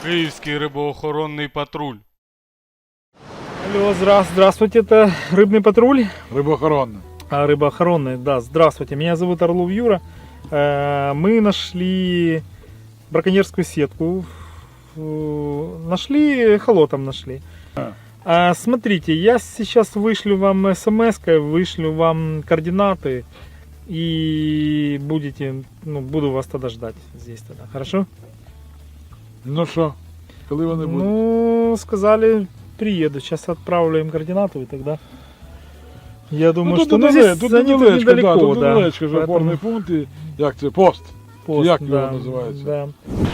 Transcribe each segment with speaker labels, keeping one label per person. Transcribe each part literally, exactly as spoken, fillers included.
Speaker 1: Київський рибоохоронний патруль.
Speaker 2: Алло, здра- здравствуйте, это рыбный патруль.
Speaker 3: Рибоохоронна.
Speaker 2: А, рыбоохоронный, да, здравствуйте. Меня зовут Орлов Юра. Э, Мы нашли браконьерскую сетку. Э, Нашли, эхолотом нашли. А, Смотрите, я сейчас вышлю вам смс-кой, вышлю вам координаты. И будете, ну, буду вас тогда ждать здесь тогда, хорошо?
Speaker 3: Ну що, коли вони будуть?
Speaker 2: Ну, сказали, приеду. Сейчас отправлю им координаты и тогда. Я думаю,
Speaker 3: ну,
Speaker 2: что
Speaker 3: тут
Speaker 2: ну,
Speaker 3: недалечко,
Speaker 2: здесь
Speaker 3: тут
Speaker 2: они тут
Speaker 3: недалечко, да,
Speaker 2: недалеко,
Speaker 3: тут
Speaker 2: да.
Speaker 3: недалечко ж
Speaker 2: Поэтому
Speaker 3: опорний пункт і як це, пост.
Speaker 2: пост,
Speaker 3: як
Speaker 2: да,
Speaker 3: його називається?
Speaker 2: Да.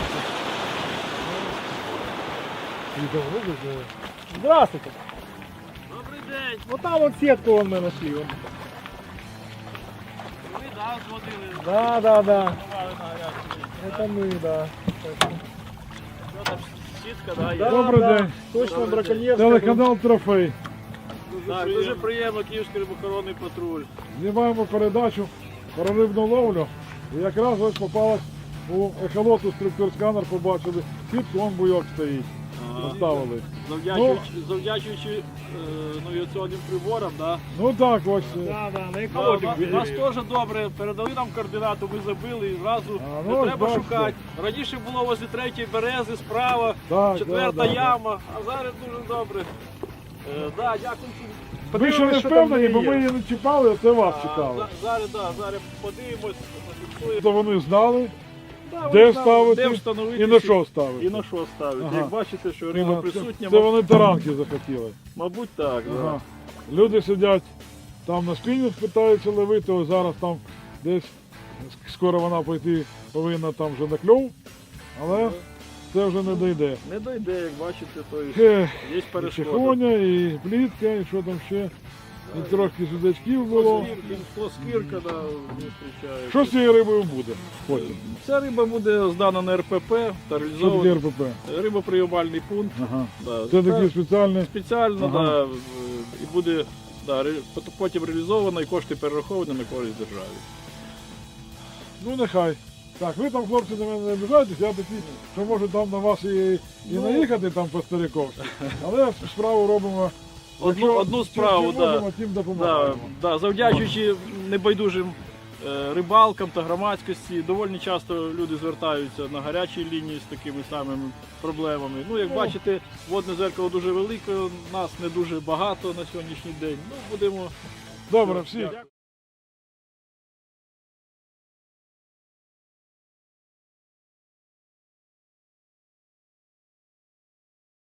Speaker 2: Здравствуйте.
Speaker 4: Добрий день.
Speaker 2: Вот там вот сетку вон мы нашли. Вон.
Speaker 4: Ви да, зводили,
Speaker 2: Да, да, да.
Speaker 4: давали на гарячу лінію.
Speaker 2: Это мы, да.
Speaker 4: Що там, сітка, да, є?
Speaker 2: Да,
Speaker 3: Добрий
Speaker 2: да.
Speaker 3: день.
Speaker 2: Точно
Speaker 4: Добрий
Speaker 2: браконьерская.
Speaker 3: Телеканал Трофей.
Speaker 4: Так, дуже приємно, Київський рибоохоронний патруль.
Speaker 3: Знімаємо передачу про рибну ловлю. І якраз ось попалась у ехолоту структур-сканер, побачили. Сітку, вон буйок стоїть. Поставили.
Speaker 4: Завдячуючи, завдячуючи е, навіаційним приборам, да.
Speaker 3: Ну так ось. е,
Speaker 2: Да, да, на
Speaker 4: Да,
Speaker 2: экологию.
Speaker 4: на- нас теж добре, передали нам координату, ми забили і зразу
Speaker 3: А, ну,
Speaker 4: не
Speaker 3: ось
Speaker 4: треба
Speaker 3: бачите.
Speaker 4: шукати. Раніше було возле третьої берези справа,
Speaker 3: Так,
Speaker 4: четверта
Speaker 3: да, да,
Speaker 4: яма, а зараз дуже добре. Е, да, дякую.
Speaker 3: Ви ще не
Speaker 2: Подивимось, що там
Speaker 3: впевнені, бо
Speaker 2: є.
Speaker 3: ми її не чіпали, а це вас
Speaker 4: А,
Speaker 3: чекали.
Speaker 4: за- Зараз, да, зараз подивимось, зафіксуємо.
Speaker 3: То вони знали,
Speaker 4: Да,
Speaker 3: де
Speaker 4: вони знали,
Speaker 3: ставити
Speaker 4: де встановити
Speaker 3: і на
Speaker 4: ці-
Speaker 3: що ставити.
Speaker 4: І на що ставити.
Speaker 3: Ага.
Speaker 4: Як бачите, що риба
Speaker 3: Ага,
Speaker 4: присутня,
Speaker 3: Це, це
Speaker 4: мабуть,
Speaker 3: вони таранки захотіли.
Speaker 4: мабуть так. Да.
Speaker 3: Ага. Люди сидять там на спінінг, питаються ловити, ось зараз там десь скоро вона пойти повинна там вже на кльов, але це вже не дойде.
Speaker 4: Не дойде, як бачите, то і
Speaker 3: Ех,
Speaker 4: є
Speaker 3: і
Speaker 4: перешкода.
Speaker 3: чехоня, і плітка, і що там ще. І трохи судачків було.
Speaker 4: Плоскірка, да, не зустрічає.
Speaker 3: Що з цією рибою буде потім?
Speaker 4: Ця риба буде здана на РПП та
Speaker 3: Що таке
Speaker 4: реалізована.
Speaker 3: РПП?
Speaker 4: Рибоприймальний пункт.
Speaker 3: Ага.
Speaker 4: Да.
Speaker 3: Це такий спеціальний.
Speaker 4: Спеціально,
Speaker 3: Ага.
Speaker 4: да, в- і буде да, ре- пот- потім реалізовано і кошти перераховані на користь державі.
Speaker 3: Ну нехай. Так, ви там, хлопці, на мене не обіжайтесь, я такий, що можу там на вас і, і
Speaker 4: Ну.
Speaker 3: наїхати там по стариковськи. Але справу робимо.
Speaker 4: Одну,
Speaker 3: якщо
Speaker 4: одну
Speaker 3: чим-
Speaker 4: справу,
Speaker 3: чим
Speaker 4: да.
Speaker 3: можемо, тим
Speaker 4: Да,
Speaker 3: допомагаємо.
Speaker 4: да, завдячуючи небайдужим е, рибалкам та громадськості, доволі часто люди звертаються на гарячі лінії з такими самими проблемами. Ну, як
Speaker 3: Ну.
Speaker 4: бачите, водне зеркало дуже велике, нас не дуже багато на сьогоднішній день. Ну, будемо.
Speaker 3: Добре, всі.
Speaker 4: Дякую.